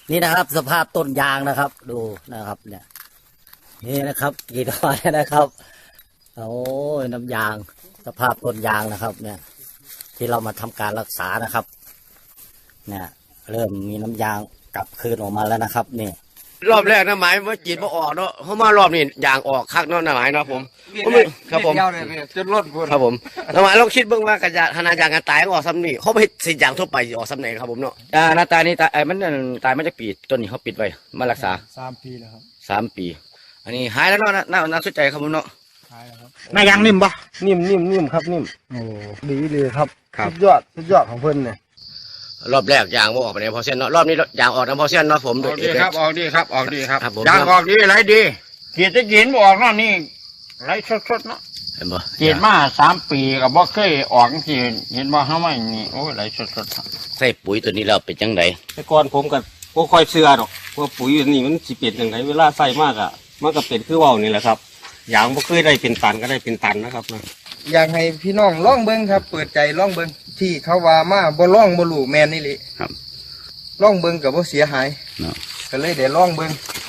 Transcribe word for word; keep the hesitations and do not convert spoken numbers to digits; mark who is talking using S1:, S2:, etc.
S1: นี่นะครับสภาพต้นยางนะครับ ดูนะครับ เนี่ย นี่นะครับกี่ต้นนะครับโอ้ยน้ำยางสภาพต้นยางนะครับ เนี่ย ที่เรามาทำการรักษานะครับ เนี่ย เริ่มมีน้ำยางกลับคืนออกมาแล้วนะครับนี่
S2: รอบแรกนะหมายว่าจีนมาออกเนาะเขามารอบนี้ยางออกคักเนาะนะหมายเนาะผมครับผม
S3: จนรถ
S2: ครับผมนะหมายเราคิดเบื้องว่ากระยาธนายางกันตายออกซ้ำนี่เขาไปสิยางทั่วไปออกซ้ำไหนครับผมเนาะ
S4: อ่าหน้าตานี่ตายไอ้มันตายมาจากปีต้นนี้เขาปิดไว้มารักษา
S3: สามปีแล้วครับ
S4: สามปีอันนี้หายแล้วเนาะน่าน่าสนใจครับผมเนาะ
S3: หายแล้วครับ
S5: หน้ายางนิ่มปะ
S3: นิ่มนิ่มนิ่มครับนิ่มโอ้ดีเลยครับสุดยอดสุดยอดของเพิ่นเนี่ย
S2: รอบแรกยางออกไปในพอเส้นเนาะรอบนี้ยางออกน้ำพอเส้นเนาะผม
S5: ออกดีครับออกดีครับออกดีครับ
S2: ย
S5: างออกดีไรดีเกียรติกินออกเนาะนี่ไรสดๆเนาะ
S2: เห็นบ่
S5: เกียรติมาสามปีกับบ่เคยออกที่เห็นบ่ห้าไม่นี่โอ้ไรสด
S2: ๆใส่ปุ๋ยตัวนี้เราเป็นจังได
S6: แต่ก่อนผมกับก็ค่อยเชื่อหรอกว่าปุ๋ยนี่มันสิเป็นจังไดเวลาใส่มากอ่ะมันก็เป็นคือว่าวนี่แหละครับอย่างบ่เคยได้เป็นตันก็ได้เป็นตันนะครับ
S3: อยากให้พี่น้องล่องเบิ้งครับเปิดใจล่องเบิ้งที่เขาว่ามาบ่ล่องบ่หลู่แมนนี่แหละ
S2: ครับ
S3: ล่องเบิ้งกับบ่เสียหายก็เลยเดี๋ยวล่องเบิ้ง